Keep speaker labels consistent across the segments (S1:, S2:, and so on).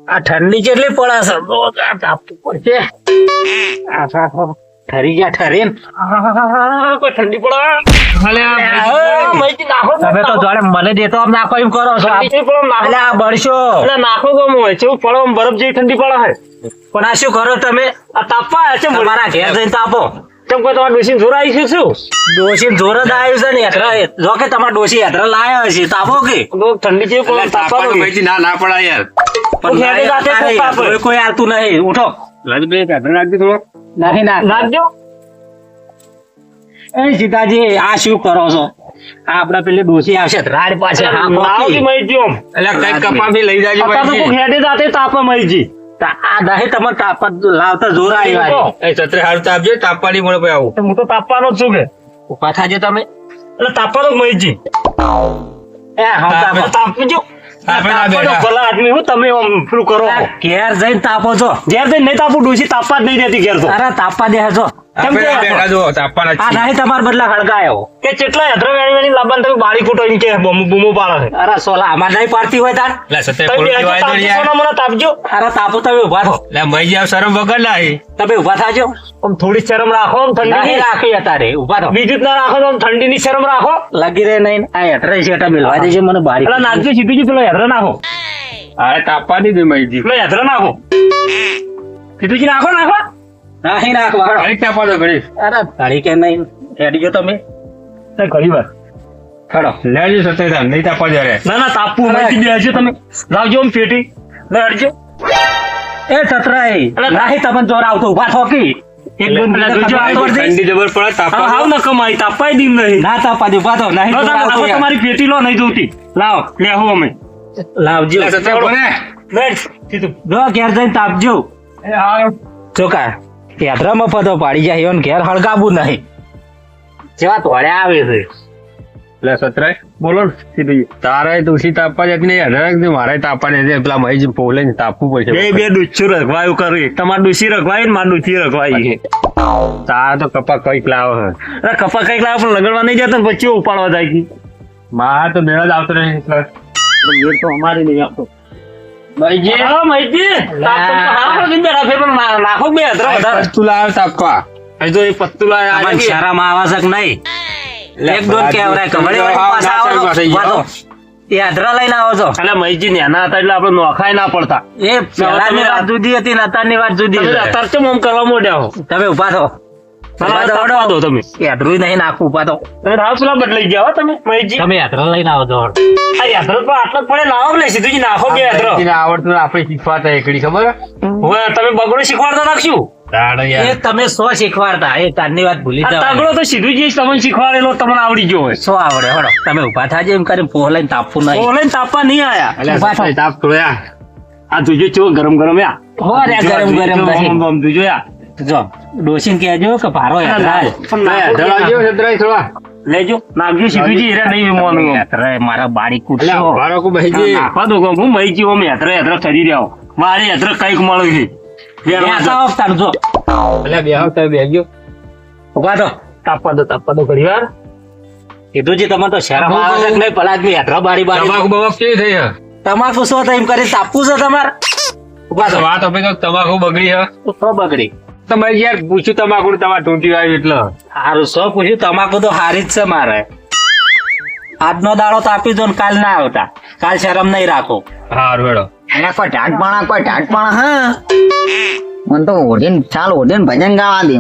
S1: આ ઠંડી કેટલી પડે છે તાપવું પડશે ઠરી ગયા ઠરીને કોઈ ઠંડી પડે તમે તો જોડે મને દેતો આમ નાખો એમ કરો છો એટલે આ બળશો એટલે નાખો ગમ હોય છે પડો બરફ જેવી ઠંડી પડે છે પણ આ શું કરો તમે આ તાપવા છે મારા ઘેર જઈને તાપો કેમ કોઈ તમારે ડોસી જોર આવી છે શું ડોસી જોર જ આવ્યું છે ને યાત્રા જો કે તમારા ડોસી યાત્રા લાયા હશે તાપો કે ઠંડી જેવી પડે તાપવા
S2: ના ના પડા યાર
S1: પણ કોઈ આવતું નહીં ઉઠો
S2: રાજભાઈ કાઢી નાખજો થોડો
S1: નાખી નાખજો એ સીતાજી આ શું કરો છો આપડા પેલી ડોસી આવશે રાડ પાછે
S2: એટલે કઈ કપા બી લઈ જાજો
S1: હેડે જાતે તાપા મહીજી આ દહે તમે તાપા લાવતા જોર આવી
S2: એ છત્રે હારું તાપજો તાપવાની મળે પછી આવું
S1: હું તો તાપવાનો જ છું કે ઉભા થાજો તમે એટલે તાપવાનો મહીજી એ હા તાપજો ભલા આદમી હું તમે શું કરો ઘેર જઈને તાપો છો ઘેર જઈને નહીં તાપું ડોસી તાપવા જ નહીં દેતી ઘેર તો અરે તાપવા દે છો કેમ કે આ નહીં તમારા બદલા ખડકાયો કે કેટલા હેદરો વેણી લાબાન તમે બાળી ફૂટો એમ કે બૂમો પાડે અરે સોલા અમાર નહીં પાડતી હોય તાર
S2: લે સતે પોલટી વાય દે યાર
S1: મને તાપજો અરે તાપો તમે ઉભા થો
S2: લે મઈ જાવ શરમ વગર લાઈ
S1: તમે ઉભા થાજો આમ થોડી શરમ રાખો આમ ઠંડી નહીં રાખી અતારે ઉભા થો બીજું ના રાખો તો ઠંડી ની શરમ રાખો લગી રે નહીં આ હેઠરે શેટા મિલવા દેજો મને બાળી એટલે નાખજો સીધું પેલો હેઠરે નાખો
S2: અરે તાપવાની દે મઈજી
S1: પેલો હેઠરે નાખો સીધું નાખો નાખો નહીં નાખવા
S2: ઘડી તાપા દો ઘડી
S1: અરે ઘડી કે નહીં હેડીજો તમે ઘડી વાર
S2: ખડો લેજો સતે નહીં તાપવા દે રે
S1: ના ના તાપવું મઈજી બેસજો તમે લાવજો આમ પેટી લડજો એ છત્રાઈ નહીં તમને જોર આવતો ઉભા થોકી
S2: ઠંડી જબર પડે તાપા
S1: હાવ ન કમાઈ તાપાઈ દીમ નહીં ના તાપા દે ઉભા થો નહીં તમારી પેટી લો નહીં જોતી લાવ લેહો અમે લાવજો
S2: સતે બોલે
S1: બેસ સીધું જો ઘેર જઈને તાપજો
S2: એ હા
S1: ચોકા યાત્રામાં પદો પાડી જાય એમ ઘેર હળગાવું નહીં જેવા તોડે આવે છે
S2: લે સતરાય બોલો સીધું તારે તુસી તાપવા જતી નહીં અઢાર મારે તાપવા નહીં પેલા મહી પોલે ને તાપવું પડશે
S1: બે ડૂચું રખવાયું કરી તમારે ડૂસી રખવાય ને મારે ડૂચી રખવાય
S2: તાર તો કપા કઈક લાવો હે
S1: અરે કપા કઈક લાવો પણ લગડવા નહીં જતો ને પછી ઉપાડવા જાય કે
S2: માર તો મેળ જ આવતો નહીં
S1: મેળ તો અમારે નહીં આવતો
S2: મહીજી
S1: હા મહીજી નાખો બે
S2: પત્તું લાવ તાપવા
S1: હજુ એ પત્તું લાવ શરમ આવશ્યક નહીં એક દોન કેવરાય કમળે પાછા આવો એ અધરા લઈને આવો છો એટલે મહીજી નેના હતા એટલે આપણે નોખાય ના પડતા એ પહેલાની વાત જુદી હતી ને અત્યારની વાત જુદી અત્યારે ચમ આમ કરવા મોડ્યા હો તમે ઉભા થો દો તમે યાત્રું નહીં નાખું ઉભા થો તમે રાવ પેલા બદલાઈ ગયા હો તમે મહીજી તમે યાત્રા લઈને આવો છો આ યાત્રા તો આટલો પડે લાવો ને સીધું નાખો બે યાત્રા
S2: આવડતું આપણે શીખવાતા એકડી ખબર
S1: હવે તમે બગડું શીખવાડતા નાખશું એ તમે સો શીખવાડતા એ તારની વાત ભૂલી જાવ તગડો તો સીધું જ તમને શીખવાડેલો તમને આવડી ગયો હોય સો આવડે હળો તમે ઉભા થાજો એમ કરીને પોહ લઈને તાપવું નહીં પોહ લઈને તાપવા નહીં આયા
S2: તાપ થોડ્યા
S1: આ તુજો ચો ગરમ ગરમ યા હો રે ગરમ ગરમ નહીં તુજો યા જો ડોસીને કહેજો કે ભારો લેજો નાખજો સીધું જી રે નહીં મોનું યાત્રા મારા બાડી કૂટશો
S2: ભારો કો બહીજી
S1: નાખવા દો હું મહી જીવો મે યાત્રા યાત્રા કરી રહ્યો મારે યાત્રા કઈક મળ્યું છે તાપવા દો ઘણી વાર કીધું છે તમે તો શરમ આવે છે નહીં પલાજ ની યાત્રા બારી બારી
S2: તમાકુ બવાક કેવી થઈ હે
S1: તમાકુ શું થાય એમ કરી તાપવું છે તમારે ઉભા તો
S2: વાત આપણે તમાકુ બગડી હે
S1: તો બગડી
S2: તમારે યાર પૂછ્યું તમાકુ તમારે ટૂંટી આવી એટલે
S1: સારું શું પૂછ્યું તમાકુ તો હારી જ છે મારે આજનો દાડો તાપી દો ને કાલ ના આવતા કાલ શરમ નહીં રાખો
S2: હારું વેડો
S3: એને કોઈ ટાટપણા હા મને તો ઓઢીને ભજન ગાવા દે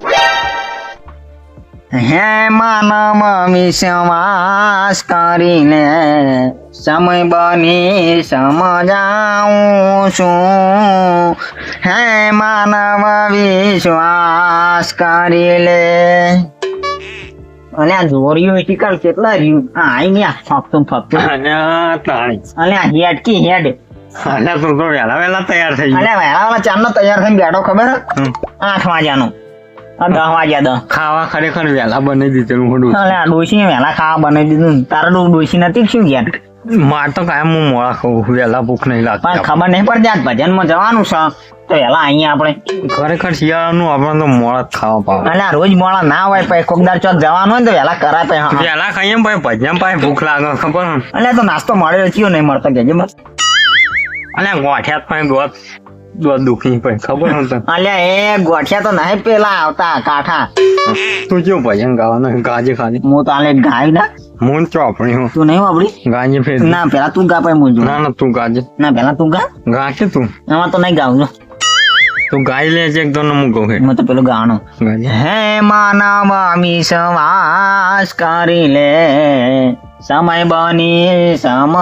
S3: હે માનવ વિશ્વાસ કરીને સમય બની સમજાવું છું હે માનવ વિશ્વાસ કરી લે અલ્યા જોરિયો શિકાર કેટલા રહ્યું હા આઈ ને ફપતું અલ્યા હેડ કી હેડ
S2: અલ્યા તું તો વેલા તૈયાર થઈ ગયો
S3: અલ્યા વેલા ચાંદનો તૈયાર થઈને બેઠો ખબર 8 વાગ્યાનો 10 વાગ્યા
S2: ખાવા ખરેખર વેલા બનાવી દીધેલું ખોડું
S3: અલ્યા ડોશી વેલા ખાવા બનાવી દીધું તારા ડોશી નથી શું ગયા
S2: માર તો કાયમ હું મોડા ખાવું વેલા ભૂખ નહીં લાગતી
S3: પણ ખબર નહીં પડતી આજ ભજનમાં જવાનું છે તો વેલા અહીંયા આપણે
S2: ખરેખર શિયાળાનું આપણે તો મોડા જ ખાવા પાવે
S3: અલ્યા રોજ મોડા ના હોય પછી કોકદાર ચોક જવાનું હોય ને તો વેલા કરાય પછી
S2: વેલા ખાઈએ ભાઈ ભજન પાસે ભૂખ લાગે ખબર
S3: અલ્યા તો નાસ્તો મળ્યો થયો નહીં મળતો કેજે બસ
S2: અલ્યા ગોઠિયા પણ દોત દુખી પણ ખબર નતો.
S3: અલ્યા એ ગોઠિયા તો નહીં પેલા આવતા કાઠા.
S2: તું કેવું ભજન ગાવાનું ગાજે ખાલી
S3: હું તો આલે ગાય ના
S2: મૂન ચોપડી હું
S3: તું નહીં વાપરી
S2: ગાજે ફેર
S3: ના પેલા તું ગા પછી હું
S2: ના તું ગાજે
S3: ના પેલા તું ગા
S2: ગા કે તું
S3: એમાં તો નહીં ગાવું
S2: તું ગાઈ લે છે એક તો હું કહું હે
S3: હું તો પેલું ગાવાનું
S2: ગાજે
S3: હે માનવ વિશ્વાસ કરી લે સમય બની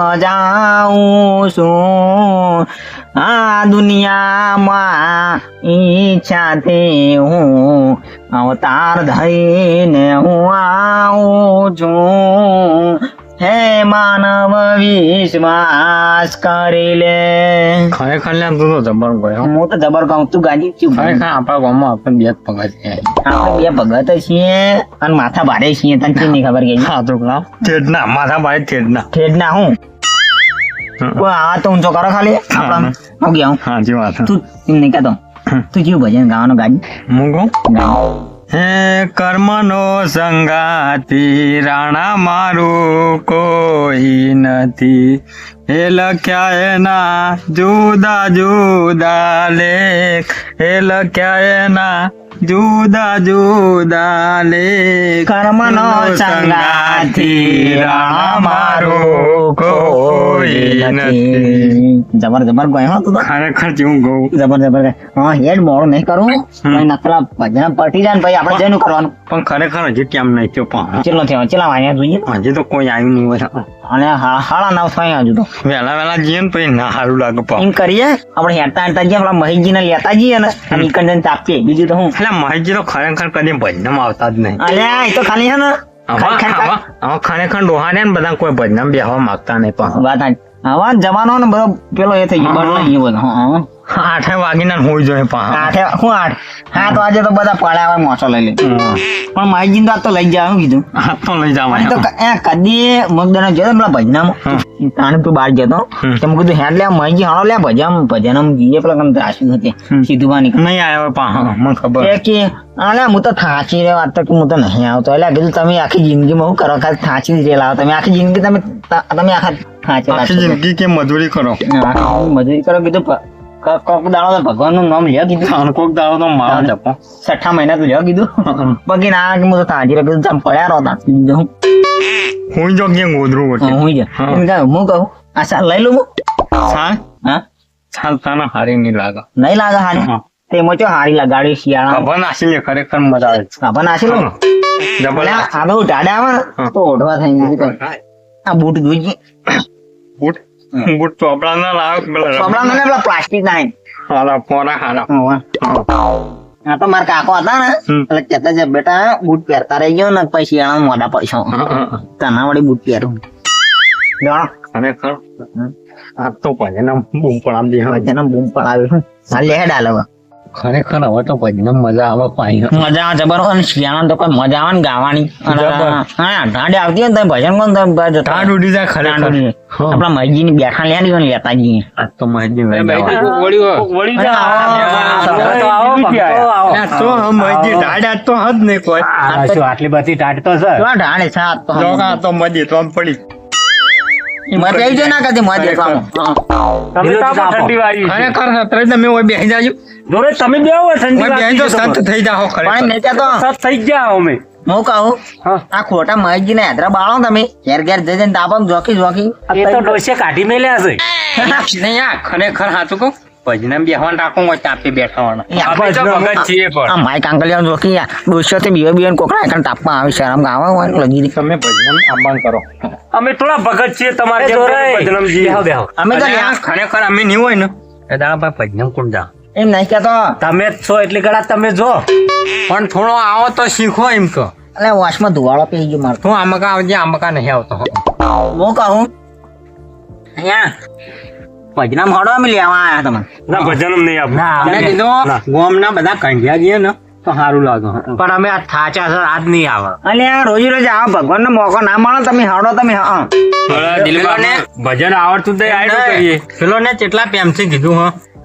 S3: સમજાવું છું આ દુનિયામાં ઈચ્છાથી હું અવતાર ધઈને હું આવું છું હે માનવ વિશ્વાસ કરી લે.
S2: ખરેખર લે તું તો જબર ગયો
S3: હું તો જબર કહું તું ગાજી ચૂપ.
S2: ખરેખર આપણા ગામમાં આપણે બે જ પગા છે
S3: આપણે બે ભગત છીએ અને માથા ભારે છીએ તને કેમ નહીં ખબર કે
S2: હા તો ના ઠેડના માથા ભાઈ ઠેડના
S3: ઠેડના હું કોઈ આવા તો ઊંચો કરો ખાલી આપણા હું ગયા હું
S2: હા જી વાત
S3: તું એમ નહીં કહેતો તું જેવું ભજન ગાવાનું ગાજી
S2: હું કહું હે કર્મનો સંગાતી રાણા મારું કોઈ નથી હે લખ્યા એના જુદા જુદા લેખ હે લખ્યા એના જુદા જુદા લેખ
S3: કર્મનો સંગાથી રાણા મારું કોઈ નથી. જબર જબર ગયો હો તું તો
S2: ખરેખર જેવું કહું
S3: જબર જબર ગાય. હા હેડ મોડું નહીં કરું પછી નકલા ભજન પટી જાય ને પછી આપણે જેનું કરવાનું
S2: પણ ખરેખર હજી કેમ નહીં થયો પણ
S3: ચેટલો થયો ચેલા વાગ્યા જોઈએ
S2: હજી તો કોઈ આવ્યું નહીં હોય
S3: અને હાડા નવ થાય હજુ તો
S2: વહેલા વહેલા જઈએ ને પછી ના સારું લાગે પણ
S3: એમ કરીએ આપણે હેરતા હેરતા જઈએ આપણા મહેશજી ને લેતા જઈએ ને અને ઈકન જઈને તાપીએ બીજું તો હું
S2: એટલે મહેશજી તો ખરેખર કદી ભજનમાં આવતા જ નહીં
S3: અલ્યા એ તો ખાલી છે ને
S2: હવે ખરેખર ડોહા ને બધા કોઈ ભજનમાં બેહવા માંગતા નહીં પણ
S3: વાત આવા જવાનો ને બધો પેલો એ થઈ ગયો બદલાઈ ગયો બધો હા
S2: 8 વાગીને હોઈ જોઈએ પણ
S3: આઠે હું 8 વાગે તો બધા પડ્યા હોય મોસો લઈ લે પણ મહેશજી ને તો લઈ જાય કીધું
S2: હાથ તો લઈ જવા
S3: તો કદી મગદાનો જોયો પેલા ભજનામાં તાણે તું બહાર જતો તો મેં કીધું હેડ લે મહેશજી હાણો લે ભજન જઈએ પેલા કમ ત્રાસી હતી સીધું પાણી
S2: નહીં આવ્યો પણ મને ખબર
S3: કે અલે હું તો થાચી રે વાત તો કે હું તો નહીં આવતો એટલે કીધું તમે આખી જિંદગીમાં હું કરો ખાલી થાચી જ રેલા તમે આખી જિંદગી તમે આખા થાચેલા
S2: આખી જિંદગી કે મજૂરી કરો
S3: મજૂરી કરો કીધું કોક દાડો તો ભગવાન નું નામ લ્યો કીધું
S2: કોક દાડો તો મારો જપો
S3: 6 મહિના તો લ્યો કીધું બાકી ના કે હું તો થાચી રે કીધું તમે પડ્યા રહો તા હું
S2: હું જો કે ગોદરું વટે
S3: હું જા હું કહું આ સાલ લઈ લઉં
S2: સાલ
S3: હા
S2: સાલ તાના હારી નહીં લાગે
S3: નહીં લાગે હારી તે મોચો હારી લગાડી શિયાળા
S2: ખબર નાસી લે ખરેખર મજા આવે છે
S3: ખબર નાસી લો
S2: જબર
S3: આ બહુ ટાડા આવે ને તો ઓઢવા થઈ ગયું આ બૂટ જોઈએ
S2: બૂટ બૂટ ચોપડા ના લાવ
S3: કપડા મને પેલા પ્લાસ્ટિક ના
S2: હાલા પોરા હાલા
S3: આ તો મારા કાકો હતા ને એટલે કહેતા છે બેટા બૂટ પહેરતા રહી ગયો ને પછી શિયાળા મોઢા પડશો તના વળી બૂટ પહેરું
S2: ખરેખર આ તો ભજન બૂમ પડામ દે
S3: જેને બૂમ પડાવ્યું હાલ લે ડાલો
S2: ખરેખર હવે તો ભજન મજા આવે પાઈ
S3: મજા આવે જબર અને શિયાળા તો કોઈ મજા આવે ને ગાવાની હા ઠાંડી આવતી હોય ને તમે ભજન કોણ તમે
S2: ઠાંડ ઉડી જાય ખરેખર
S3: આપડા મહેશજી ની બેઠા લે ને લેતા જઈએ
S2: આ તો મહેશજી તો હદ નહીં કોઈ
S1: આટલી બધી ટાટ તો છે
S3: ઢાળે સાત
S2: તો મજી તો પડી
S3: મજા આવી જાય ના કદી મજા
S2: ખરેખર સત્રે તમે ઓય બેસી જાજો
S1: જોરે તમે બે આવો
S2: બેસી તો સંત થઈ જાઓ ખરેખર
S1: સત થઈ ગયા અમે
S3: હું કહું આ ખોટા મહેશજી ને હેદરા બાળો તમે ઘેર ઘેર જઈને તાપો જોખી
S1: એ તો ડોસે કાઢી મેલ્યા છે
S2: નહીં આ ખરેખર સાચું કહું ભજન બેહવાન રાખો હોય તાપે બેઠા
S3: આ માય કાંકલિયા જોખી ડોસ્યો થી બીઓ કોકરા એકણ તાપમાં આવે શરમ ગાવા હોય લગી
S2: તમે ભજન આબાન કરો
S1: અમે થોડા ભગત છીએ તમારે ભજનમજી
S3: અમે તો
S2: ખરેખર અમે નહીં હોય ને એ દાદા ભાઈ ભજન કોણ જા
S3: એમ નહીં કેતો
S1: તમે જ છો એટલે ગળા તમે જો
S2: પણ થોડો આવો તો શીખો એમ તો
S3: એટલે વોશમાં ધુવાળો પી ગયો મારતો
S2: તું આમકા આવજે આમકા નહીં આવતો
S3: હું કહું અહીંયા ભજનામ હડો અમે લેવા આયા તમે
S1: ના ભજનમ નહીં આપ
S2: અમે કીધું ગોમના બધા કંઢિયા ગયા ને તો સારું લાગે
S1: પણ અમે આ થાચા છે આજ નહીં આવે
S3: અને આ રોજ રોજ આવો ભગવાન નો મોકો ના મળે તમે હડો તમે
S1: ભજન આવડતું તો આયડું કરીએ
S2: પેલો ને કેટલા પ્રેમથી કીધું હ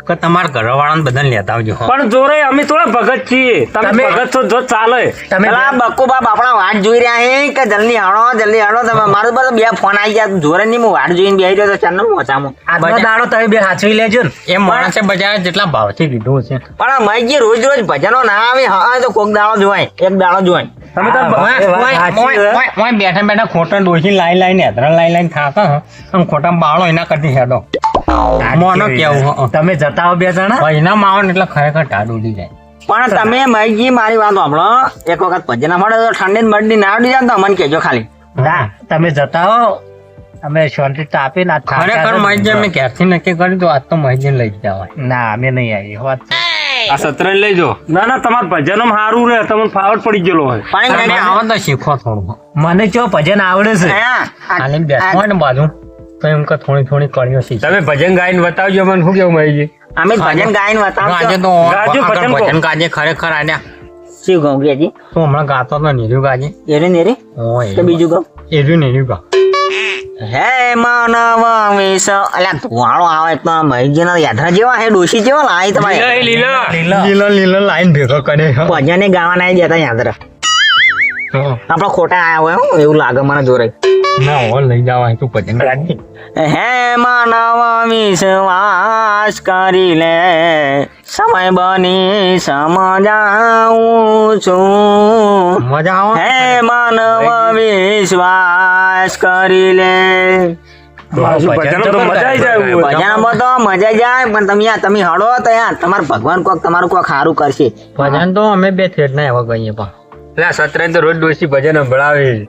S4: કે તમારા ઘરવાળાને બધાને લેતા આવજો હો.
S1: પણ જોરે અમે થોડા ભગત છીએ, તમે ભગત છો જો ચાલે.
S3: પેલા બક્કુ બાપ આપણા વાટ જોઈ રહ્યા છે કે જલ્દી હાડો તમે મારું બધું બે ફોન આવી ગયા જોરે ની હું વાટ જોઈને બેહી રહ્યો તો ચાર મોચામાં
S1: આજનો દાડો તમે બે સાચવી લેજો ને.
S4: એ માણસે બજારે જેટલા ભાવથી લીધું છે
S3: પણ આ મઈજી રોજ ભજનો ના આવે હા તો કોક દાડો જોવાય એક દાડો જોવાય
S1: તમે તો
S4: બેઠા બેઠા ખોટા ડોસી લાઈન હેદરા લાઈન થાકા આમ ખોટા બાળો એના કરતી હેડો મોનો કેવું હો.
S1: તમે જતા હો બે જણા
S4: એના માવન એટલે ખરેખર ટાઢ ઉડી જાય.
S3: પણ તમે મઈજી મારી વાત સાંભળો એક વખત ભજન મળે તો ઠંડી ને બરડી ના ઉડી જાય ને તો અમને કહેજો ખાલી.
S1: ના તમે જતા હો, અમે શાંતિ તાપી ના
S4: ખરેખર મહિજી અમે ક્યારથી નક્કી કર્યું તો આજ તો મહિજી લઈ જ જવાય.
S1: ના અમે નહીં આવી વાત.
S2: આ સત્રને લઈ જો.
S1: ના ના તમાર ભજન સારું રે, તમને ફાવટ પડી ગયેલો હોય.
S3: પણ
S4: આવો તો શીખો થોડું.
S1: મને ચો ભજન આવડે છે.
S4: હાલે બેઠો હોય ને બાજુ તો એમ કે થોડી કરીઓ શીખ.
S2: તમે ભજન ગાઈને બતાવજો મને શું કેવું મહીજી.
S3: અમે ભજન ગાઈને
S4: આજે
S3: બતાવજો.
S4: તો
S1: ગાજો ભજન કહો.
S4: ભજન ગાજે ખરેખર આડ્યા.
S3: શું કહું કે જી
S4: તું હમણાં ગાતો તો નીર્યું ગાજે.
S3: એરે ને રે તો બીજું કહું
S4: એર્યું નીર્યું ગા.
S3: હે માનવ વિષ અલ્યા ધુવાળો આવે તો મહીજી ના યાત્રા જેવા હે ડોશી જેવા લાય તમારે
S4: લીલો લાઈન ભેગો કરે.
S3: ભજને ગાવા ના જતા યાત્રા આપડા ખોટા આયા હોય હો, એવું લાગે મને જોરે.
S4: ના હો લઈ જવાય તું ભજન ગાજે.
S3: હે માનવ વિશ્વાસ કરી લે સમય બની સમજાવું છું.
S4: મજા આવો.
S3: હે માનવ વિશ્વાસ કરી લે.
S1: ભજન તો મજા આવી જાય એવું હોય.
S3: ભજનમાં તો મજા જાય પણ તમે હળો તો યાર તમારું ભગવાન કોક તમારું કોક સારું કરશે.
S4: ભજન તો અમે બે થેટ ના એવા ગઈએ પણ.
S2: એટલે સત્રને તો રોજ ડોસી ભજન સંભળાવે.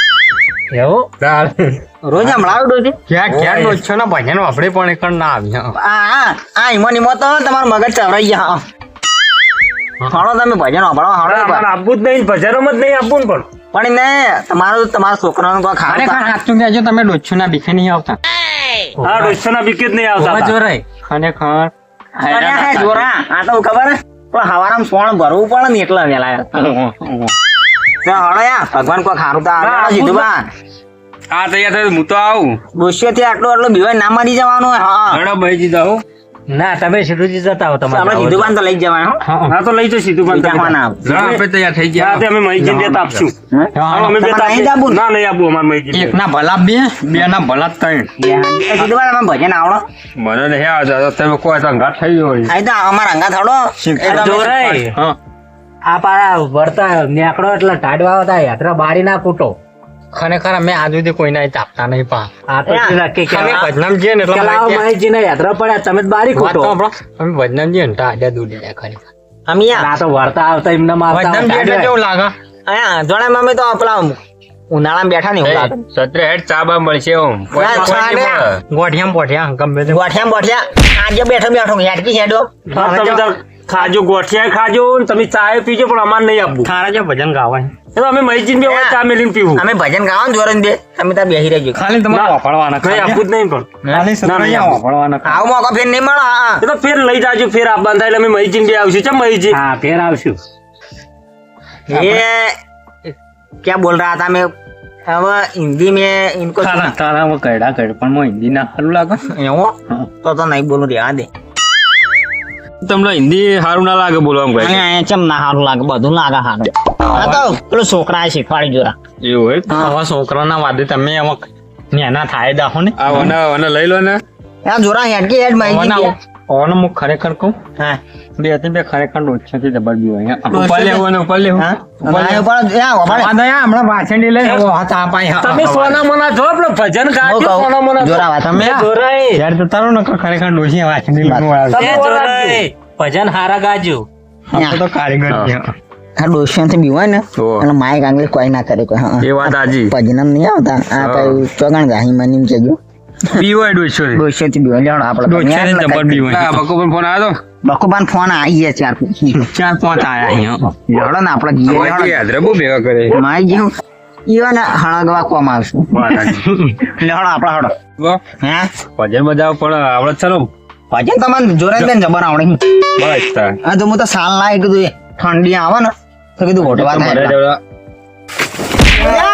S4: એવું
S3: રોજ હમણાં ડોશી
S4: ક્યાં ક્યાં ઓછો ના ભજન વાપરે પણ એક ના આવી.
S3: ઈમો તો તમારું મગજ ચવરાઈ ગયા. હળો તમે ભજન હળો
S1: અમારે આપવું જ નહીં, ભજનમાં જ નહીં આપવું ને.
S3: પણ ને તમારા છોકરાનું કોઈ ખાવાનું
S4: ખરેખર સાચું કહેજો તમે ડોછું ના બીખે નહીં આવતા.
S1: હા ડોસના બીકે જ નહીં આવતા.
S4: જોરાય ખરેખર.
S3: અરે જોરા આ તો ખબર હે પણ હવારામ સોણ ભરવું પડે ને એટલે વેલા હળો યાર ભગવાન કોઈ ખારું તો આવે સીધું બા.
S2: આ તૈયાર થાય હું તો આવું.
S3: ડોશીઓ થી આટલું બીવાય ના મરી જવાનું હોય. હા
S2: ઘણો મહીજી દઉં.
S1: ના તમે સીધુજી જતા હો
S3: આપણે
S1: તમારે.
S3: સીધું બાન તો લઈ જ જવાય હો.
S1: હા તો લઈ જાઓ સીધું પણ તમે.
S3: જવાના
S2: ના આપણે તૈયાર થઈ ગયા.
S1: હા, તે અમે મહીજી દેતા આપશું. અમે
S3: તમારે
S1: દેતા
S3: અહીં જ આપવું ને?
S1: ના નહીં આપવું અમારે મહીજી.
S4: એક ના ભલા બે ના ભલા ત્રણ.
S3: સીધું બાન અમે ભજન આવડો
S2: મને નહીં આવતા તમે કોઈ તો ઘાટ થઈ ગયો.
S3: અહીં તો અમારા અંગા થોડો
S1: જોરાય
S4: હા
S1: આ પારા વળતા નેકડો એટલે ટાઢવા હતા યાત્રા બારી ના કૂટો.
S4: ખરેખર અમે આજ સુધી કોઈને ચાપતા નહીં પા.
S1: આ તો નક્કી કે
S4: અમે ભજનામ જઈએ ને એટલે
S1: મહીજી ને યાત્રા પડ્યા તમે જ બારી
S4: વાત તો
S1: કૂટો.
S4: આપણો અમે ભજનામ જઈએ ને તો આડ્યા દૂર જાય ખરેખર.
S3: અમે યાર
S1: આ તો વળતા આવતા એમને
S4: ભજનામ જઈએ એટલે કેવું લાગે.
S3: અહીંયા જોડે મમ્મી તો પેલા ઉનાળામાં બેઠા ને એવું લાગે.
S2: સત્રે હેડ ચા બા મળશે ઓમ.
S4: ગોઠિયામ પોઠિયા ગમે તે.
S3: ગોઠિયા બોઠિયા આજે બેઠો હેડકી હેડો
S1: તમે તો ખાજો ગોઠિયા ખાજો ને તમે ચાય પીજો પણ અમારે નહીં આપવું.
S4: થારા જે ભજન ગાવાય
S1: એ તો અમે મહીજી ને બે ચા મેલીને પીવું.
S3: અમે ભજન ગાવાનું જોરે ને બે તમે ત્યાં બેહી રહેજો.
S4: ખાલી તમારે વાપરવાના
S1: કઈ આપવું જ નહીં પણ.
S4: ખાલી સત્રૈયા વાપરવાના.
S3: આવો મોકો ફેર નહીં મળો. હા
S1: એ તો ફેર લઈ જાજો ફેર આપવાનું થાય એટલે અમે મહીજી ને બે આવશું. ચમ મહીજી? હા ફેર આવશું.
S3: ये क्या बोल रहा था मैं अब हिंदी में इनको
S4: તારા તારા કઈડા કઈડ પણ મો હિન્દી ના સારું લાગે.
S3: એવું તો નહીં બોલું રહેવા દે.
S2: તમને હિન્દી સારું ના લાગે બોલવા એમ
S3: અને ચમ ના સારું લાગે બધું લાગે સારું. હા તો પેલો છોકરા શીખવાડી જોરા.
S2: એવું હોય.
S4: આવા છોકરાના વાદે તમે એમાં નેના થાય દાખો ને.
S2: આ વના લઈ લો ને.
S3: આ જોરા હેડકી હેડ માહિતી
S4: ઓનો હું ખરેખર કહું
S3: હા
S4: બે હતી બે ખરેખર ઓછાથી જબર બી હોય.
S2: ઉપર લેવું ને ઉપર લેવું.
S3: હા અને પણ યા વબાડે
S4: હમણાં વાછંડી લઈ હતા પાઈ.
S1: તમે સોના મોના જો આપણે ભજન ગાજો સોના મોના
S3: જોરા વાત
S1: તમે જોરાય
S4: યાર તો તારો ન ખરેખર ડોસી વાછંડી લઈ આવે.
S1: તમે જોરાય ભજન હારા ગાજો.
S4: આપણે તો કારીગર છે.
S3: આ ડોશિયન થી બીવાય ને એટલે માઈક આંગળી કોઈ ના કરે કોઈ. હા
S2: એ વાત આજી.
S3: ભજનમ નહીં આવતા આ કઈ ચોગણ ગાહી મની કેજો
S2: પીવાય ડોસો રે.
S3: ડોશિયન થી બીવાય લેવડ આપણે
S4: ડોસી જબર બી હોય.
S2: આ બકો પણ ફોન આવ્યો તો.
S3: બકુબાન ફોન આવી ગયા ચાર
S4: 4-5 આયા અહીંયા.
S3: લેવડો ને આપણે
S2: ઓય યાદ બહુ ભેગા કરે.
S3: માઈ જેવું ઈવન હળગવા કોમ આવશું લેવડો આપણે હળો
S2: વાહ.
S3: હે
S2: ભજન બજાવ પણ આવડે ચલો.
S3: ભજન તમને જોરે બેન જબર આવડે.
S2: બસ તાર.
S3: હા તો હું તો સાલ લાય કીધું ઠંડી આવે ને તો કીધું ઘોટવા થાય.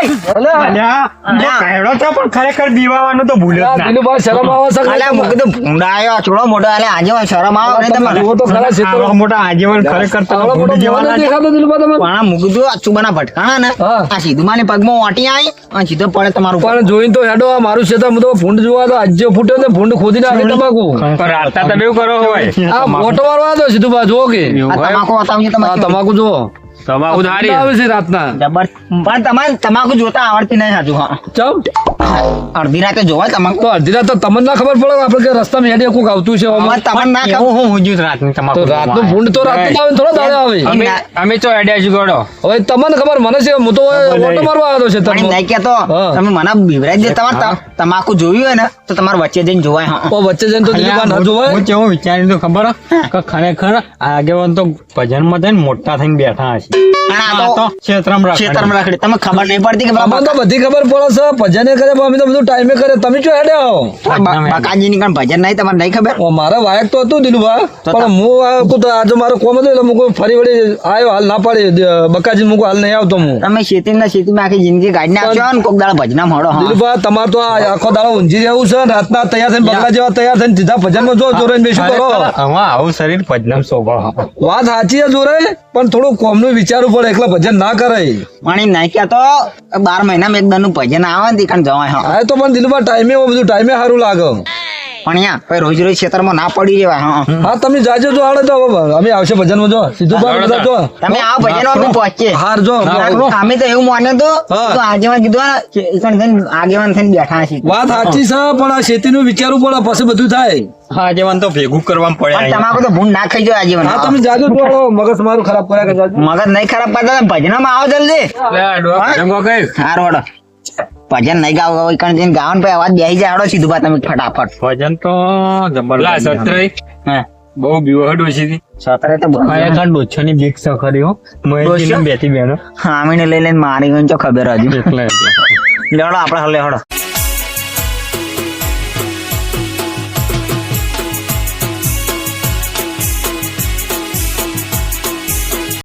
S4: પહેરો તો પણ ખરેખર દીવાનો તો ભૂલ્યો જ ના.
S1: દિલુભાઈ શરમ આવે છે
S3: અલ્યા મું કીધું ભૂંડા આવ્યો ચોળો મોટો અલ્યા આજે શરમ આવે ને તમારે
S1: જુઓ તો ખરા છે
S4: આવડા મોટા આજીવન ખરેખર તો ભૂલી જવાના છે.
S1: દેખાતો દિલુભાઈ તમે
S3: પણ આ મું કીધું આ ચુબાના ભટકાણા ને
S1: હા.
S3: આ સીધું માની પગમાં વાટી આવી અને સીધો પડે તમારું
S1: પણ જોઈને તો હેડો આ મારું ક્ષેત્ર હું તો ભૂંડ જોવા તો આજે ફૂટ્યો ને ભૂંડ ખોદી નાખે તમાકુ
S2: પણ રાતા તમે એવું કરો હોય
S1: આ મોટો વાળો આવ્યો સીધું બા જુઓ કે
S3: આ તમાકુ બતાવજો
S1: આ
S3: તમારે
S1: તમાકુ જુઓ
S2: તમાકુ ધારી
S1: આવે છે રાતના
S3: જબર પણ તમારે તમાકુ જોતા આવડતી નહીં સાચું હા
S1: ચમ
S3: અડધી રાતે જોવાય તમાકુ
S1: તો અડધી રાત તો તમને ના ખબર પડે કે આપણે કે રસ્તામાં હેડે કોક આવતું છે
S3: અમારે તમને ના ખબર
S4: એવું હું હુજ્યું જ રાતની તમાકુ
S1: તો રાતનું ભૂંડ તો રાતનું આવે ને થોડો દાડે આવે
S2: અમે તો આઈડિયા છું ગોડો
S1: હવે તમને ખબર મને છે હું તો ઓટો મારવા આવ્યો છે
S3: પણ એમ નહીં કહેતો
S1: હા.
S3: તમે મને બિવરાઈ દે તમારે તમાકુ જોયું હોય ને તો તમારે વચ્ચે જઈને જોવાય હા
S1: તો વચ્ચે જઈને તો દિલીપા ના જોવાય
S4: હું કેવું વિચાર્યું તો ખબર હે? કે ખરેખર આગેવાન તો ભજનમાં થઈને મોટા થઈને બેઠા હશે.
S3: અને આ તો
S4: ક્ષેત્રમાં રાખે.
S3: ખેતરમાં રાખડી તમે ખબર નહીં પડતી કે
S1: અમને તો બધી ખબર પડે છે ભજને કરે પણ અમે તો બધું ટાઈમે કરે તમે જો હેડે આવો
S3: બકાજી ની કણ ભજન નહીં તમારે નહીં ખબર
S1: ઓ, મારે વાયક તો હતું દિલુભા પણ હું આવ્યો તો આજે મારો કોમ હતો એટલે મૂકું ફરી વળી આવ્યો હાલ ના પાડી બકાજી મૂકું હાલ નહીં આવતો હું
S3: તમે ખેતીમાં આખી જિંદગી કાઢી નાખશો ને કોક દાડા ભજના મળો હા
S1: દિલુભા તમારે તો આ આખો દાડો ઊંઝી રહેવું છે ને રાતના તૈયાર થઈને બકરા જેવા તૈયાર થઈને સીધા ભજનમાં જો જોરે બેસું કરો
S4: હવે આવું શરીર ભજનમાં શોભા.
S1: વાત સાચી છે જોરે પણ થોડું કોમનું વિચારવું પડે એકલા ભજન ના કરાય
S3: પાણી નાખ્યા તો 12 મહિનામાં એક દાનું ભજન આવે ને તે જવાય હા
S1: આ તો પણ દિલુભા ટાઈમે બધું ટાઈમે સારું લાગે
S3: પણ યા ભાઈ રોજ રોજ ખેતરમાં ના પડી જવાય હા
S1: હા તમે જાજો જો હાડે તો હવે અમે આવશે ભજનમાં જો સીધું બાર બધા જો
S3: તમે આવો ભજન અમે પહોંચીએ
S1: હાર જો
S3: અમે તો એવું માન્યું હતું
S1: હા.
S3: તો આગેવાન કીધું ને કે એકણ થઈને આગેવાન થઈને બેઠા છીએ
S1: વાત સાચી છે પણ આ ખેતીનું વિચારવું પડે પછી બધું થાય
S4: આગેવાન તો ભેગું કરવામાં પડે
S3: પણ
S4: અહીંયા.
S3: તમાકુ તો ભૂંડ ના ખાઈ જાય આગેવાન
S1: હા તમે જાજો જો હાલો, મગજ મારું ખરાબ કર્યા કે જાજો
S3: મગજ નહીં ખરાબ કરતા તમે ભજનમાં આવો જલ્દી હાર વડો ભજન નહીં ગાવ એકણ જઈને ગાવાનું પછી અવાજ બેસી જાય હાડો સીધું બા તમે ફટાફટ
S4: ભજન તો
S2: લા
S4: જબરદસ્ત.
S2: સત્રય
S3: હા
S2: બહુ બીવહડ ઓછી હતી
S3: સતરે તો બહુ.
S4: ખરેખર ડોછાની બીક છે ખરી હો. મહેશજીની બેથી બહેનો.
S3: હા અમીને લઈ લઈને મારી ગયો છો ખબર હજુ
S4: એટલે
S3: લેવડો આપણે હલે હડો